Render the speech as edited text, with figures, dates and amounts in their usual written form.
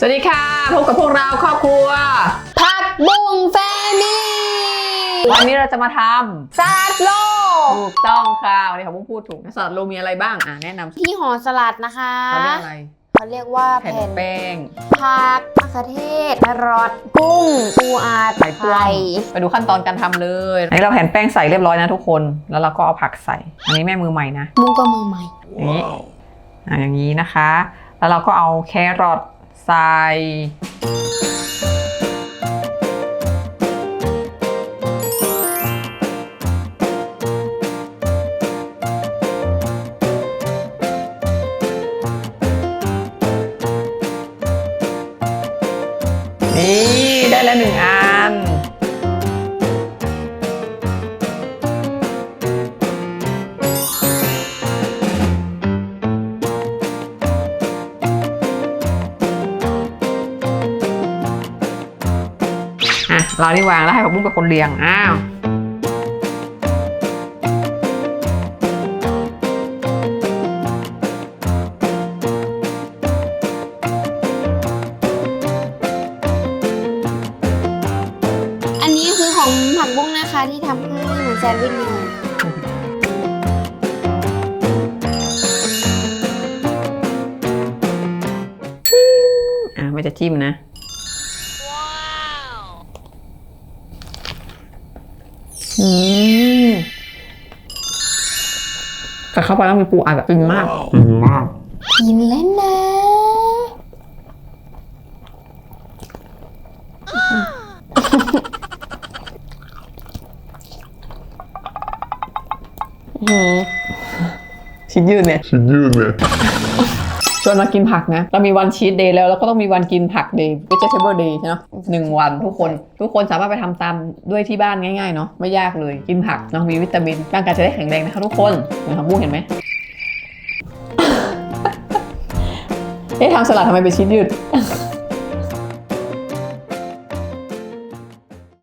วัสดีค่ะพบกับพวกเราครอบครัวผักบุ้งแฟมิลี่วันนี้เราจะมาทำสลัดโลถูกต้องค่ะวันนี้เขาพูดถูกสลัดโลมีอะไรบ้างแนะนำที่ห่อสลัดนะคะเขาเรียกอะไรเขาเรียกว่าแผ่นแป้งผักมะเขือเทศแครอทกุ้งปูอัดไข่ไปดูขั้นตอนการทำเลยอันนี้เราแผ่นแป้งใส่เรียบร้อยนะทุกคนแล้วเราก็เอาผักใส่อันนี้แม่มือใหม่นะมุ้งก็มือใหม่อย่างนี้นะคะแล้วเราก็เอาแครอทใส่นี่ได้แล้ว1 อันเราที่วางแล้วให้ผักบุ้งเป็นคนเรียงอันนี้คือของผักบุ้งนะคะที่ทำให้เหมือนแซนด์วิชเลยไม่จะจิ้มนะแต่เข้าไปแล้วมีปูอัดแบบฟินมากกินแล้วนะชิ้นยืดเนี่ยชวนมากินผักนะเรามีวันชีทเดย์แล้วก็ต้องมีวันกินผักเดย์ vegetable day ใช่ไหม1 วันทุกคนสามารถไปทำตามด้วยที่บ้านง่ายๆเนาะไม่ยากเลยกินผักเนาะมีวิตามินร่างกายจะได้แข็งแรงนะคะทุกคนเหมือนทำบุ้งเห็นไหม ทำสลัดทำไมเป็นชิ้นยืด